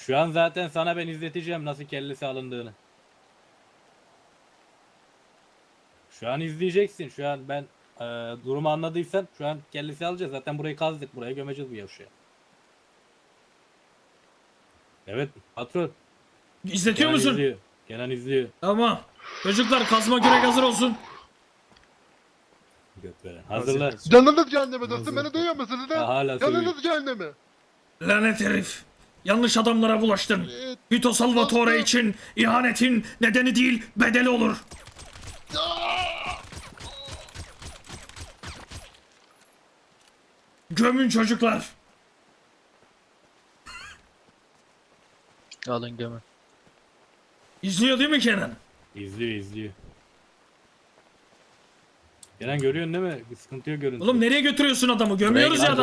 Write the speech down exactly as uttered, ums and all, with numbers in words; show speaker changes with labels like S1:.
S1: Şu an zaten sana ben izleteceğim nasıl kellesi alındığını. Şu an izleyeceksin. Şu an ben e, durumu anladıysan şu an kellesi alacağız. Zaten burayı kazdık. Buraya gömeceğiz bu yavşaya. Evet patron.
S2: İzletiyor
S1: Kenan
S2: musun?
S1: izliyor. Kenan izliyor.
S2: Tamam. Çocuklar kazma kürek hazır olsun.
S1: Götveren. Hazırlar.
S3: Canınız cehenneme dostum, beni duyuyor musunuz
S1: Ha,
S3: lan?
S1: hala söylüyor.
S3: Canınız cehenneme.
S2: Lanet herif. Yanlış adamlara bulaştın.
S3: Ee,
S2: Vito Salvatore
S3: dostum.
S2: için ihanetin nedeni değil bedeli olur. Gömün çocuklar.
S4: Alın gömün.
S2: İzliyor değil mi Kenan?
S1: İzliyor izliyor. Kenan görüyorsun değil mi? Bir sıkıntı yok görüntü.
S2: Oğlum nereye götürüyorsun adamı? Gömüyoruz ya
S1: gel,
S2: adamı.